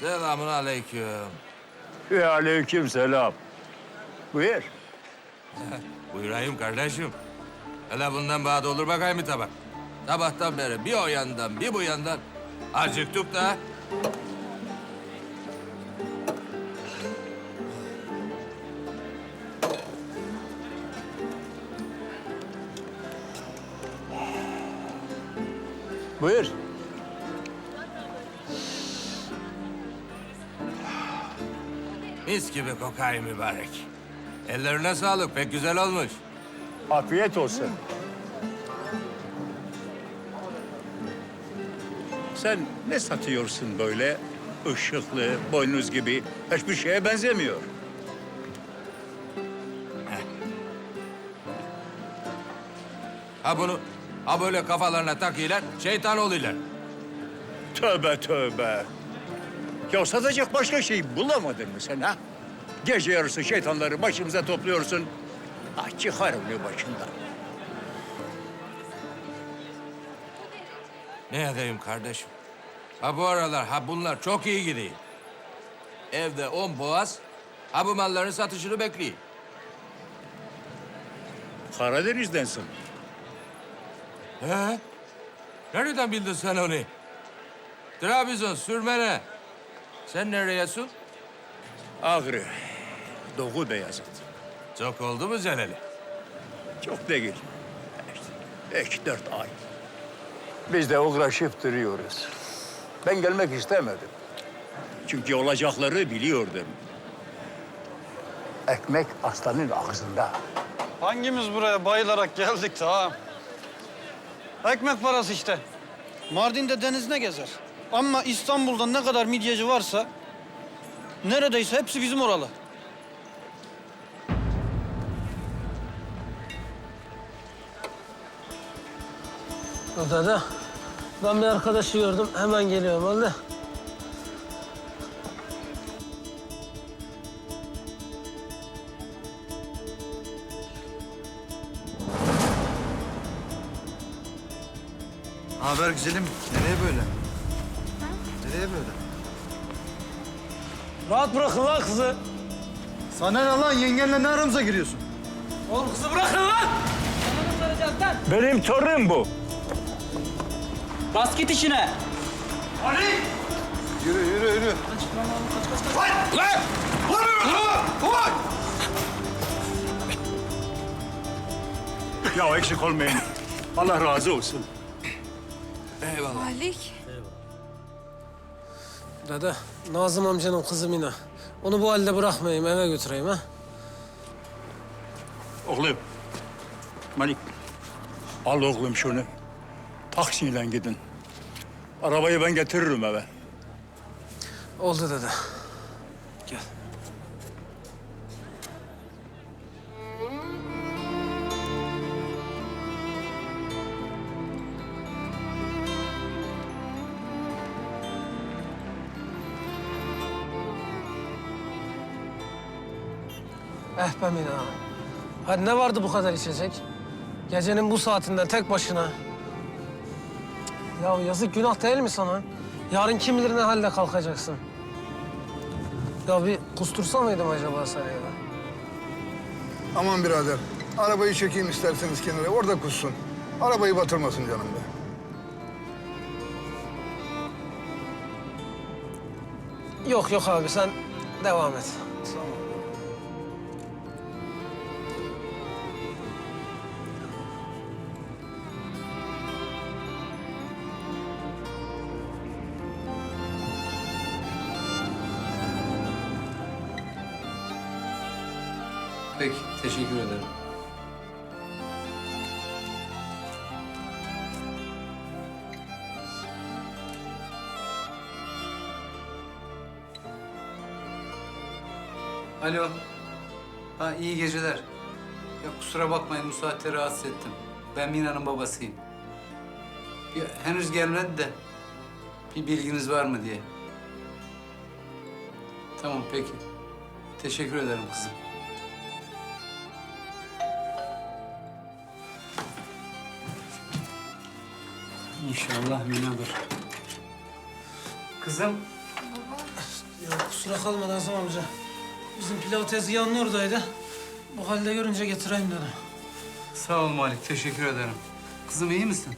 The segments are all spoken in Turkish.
Selamun aleyküm. Ve aleyküm selam. Buyur. Buyurayım kardeşim. Hele bundan bana olur bakayım bir tabak. Sabahtan beri bir o yandan bir bu yandan. Acıktık da. Buyur. Mis gibi kokay mübarek. Ellerine sağlık, pek güzel olmuş. Afiyet olsun. Sen ne satıyorsun böyle? Işıklı, boynuz gibi. Hiçbir şeye benzemiyor. Ha bunu, ha böyle kafalarına takıyorlar, şeytan oluyorlar. Tövbe tövbe. Ya satacak başka şey bulamadın mı sen ha? Gece yarısı şeytanları başımıza topluyorsun. Ah çıkar onu başından. Ne edeyim kardeşim? Ha bu aralar, ha bunlar çok iyi gidiyor. Evde 10 boğaz, ha bu malların satışını bekliyor. Karadeniz'densin. He? Nereden bildin sen onu? Trabzon, Sürmene. Sen nereyesin? Ağrı, Doğu Beyazıt. Çok oldu mu Celal'i? Çok değil. İşte 3-4 ay. Biz de uğraşıp duruyoruz. Ben gelmek istemedim. Çünkü olacakları biliyordum. Ekmek aslanın ağzında. Hangimiz buraya bayılarak geldik de ha? Ekmek parası işte. Mardin'de deniz ne gezer? Ama İstanbul'da ne kadar midyeci varsa... neredeyse hepsi bizim oralı. Dede, ben bir arkadaşı gördüm. Hemen geliyorum öyle. Haber güzelim. Nereye böyle? Nereye böyle? Rahat bırakın lan kızı. Sana ne lan? Yengenle ne aramıza giriyorsun? Oğlum kızı bırakın lan. Sana mı saracağız lan? Benim torunum bu. Bas git işine. Yürü, yürü, yürü. Ya eksik olmayın. Allah razı olsun. Eyvallah. Malik. Dede, Nazım amcanın kızı Mina. Onu bu halde bırakmayayım, eve götüreyim ha. Oğlum, Malik. Al oğlum şunu. Taksiyle gidin. Arabayı ben getiririm eve. Oldu dede. Gel. Eh be Mina. Hadi ne vardı bu kadar içecek? Gecenin bu saatinde tek başına. Ya yazık günah değil mi sana? Yarın kim bilir ne halde kalkacaksın. Ya bir kustursa mıydım acaba sana ya? Aman birader, arabayı çekeyim isterseniz kenara, orada kussun. Arabayı batırmasın canım be. Yok yok abi sen devam et. Peki, teşekkür ederim. Alo. Ha, iyi geceler. Ya kusura bakmayın bu saatte rahatsız ettim. Ben Mina'nın babasıyım. Ya, henüz gelmedi de bir bilginiz var mı diye. Tamam peki. Teşekkür ederim kızım. İnşallah Mina'dır. Kızım. Ya kusura kalma Nazım amca. Bizim pilav tezgahının oradaydı. Bu halde görünce getireyim dedim. Sağ ol Malik, teşekkür ederim. Kızım iyi misin?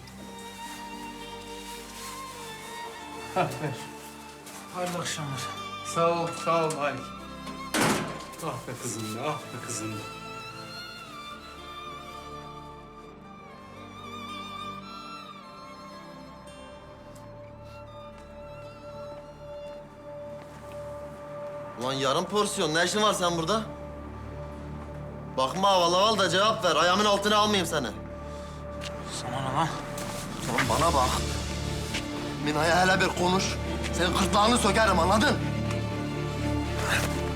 Hah, ver. Hayırlı akşamlar. Sağ ol Malik. Ah be kızım be, ah be kızım be. Ulan yarım porsiyon. Ne işin var sen burada? Bakma havalı havalı da cevap ver. Ayağımın altına almayayım seni. Sana ne lan? Ulan bana bak. Mina'ya hele bir konuş. Senin gırtlağını sökerim anladın?